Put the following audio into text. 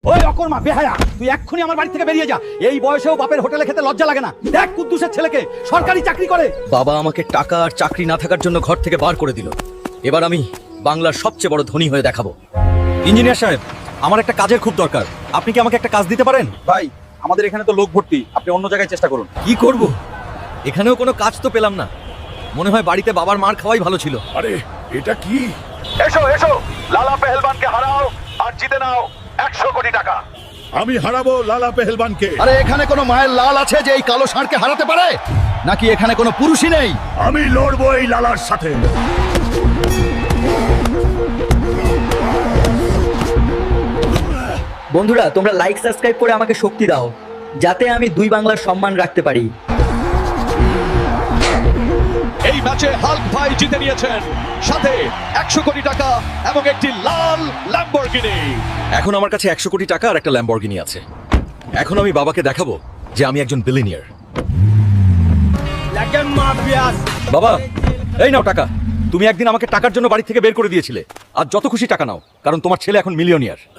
ওই অকর্মা বেহায়া, তুই এক্ষুনি আমার বাড়ি থেকে বেরিয়ে যা। এই বয়সেও বাপের হোটেলে খেতে লজ্জা লাগে না? দেখ কুদ্দুসের ছেলেকে, সরকারি চাকরি করে। বাবা আমাকে টাকা আর চাকরি না থাকার জন্য ঘর থেকে বার করে দিল। এবার আমি বাংলার সবচেয়ে বড় ধনী হয়ে দেখাবো। ইঞ্জিনিয়ার সাহেব, আমার একটা কাজের খুব দরকার, আপনি কি আমাকে একটা কাজ দিতে পারেন? ভাই, আমাদের এখানে তো লোক ভর্তি, আপনি অন্য জায়গায় চেষ্টা করুন। কি করব? এখানেও কোনো কাজ তো পেলাম না। মনে হয় বাড়িতে বাবার মার খাওয়াই ভালো ছিল। আরে এটা কি? এসো এসো, লালা পেহেলবানকে হারাও আর জিতে নাও 100 কোটি টাকা। আমি হারাবো লালা পেহেলবানকে। আরে এখানে কোনো মায়ের লাল আছে যে এই কালো ষাঁড়কে হারাতে পারে? নাকি এখানে কোনো পুরুষই নেই? আমি লড়বো এই লালার সাথে। বন্ধুরা, তোমরা লাইক সাবস্ক্রাইব করে আমাকে শক্তি দাও, যাতে আমি দুই বাংলার সম্মান রাখতে পারি। এই ম্যাচে হাল্ক ভাই জিতে নিয়েছেন, সাথে 100 কোটি টাকা এবং একটি লাল ল্যাম্বরগিনি। এখন আমার কাছে 100 কোটি টাকা আর একটা ল্যাম্বরগিনি আছে। এখন আমি বাবাকে দেখাবো যে আমি একজন বিলিয়নিয়ার। বাবা, এই নাও টাকা। তুমি একদিন আমাকে টাকার জন্য বাড়ি থেকে বের করে দিয়েছিলে। আর যত খুশি টাকা নাও, কারণ তোমার ছেলে এখন মিলিয়নিয়ার।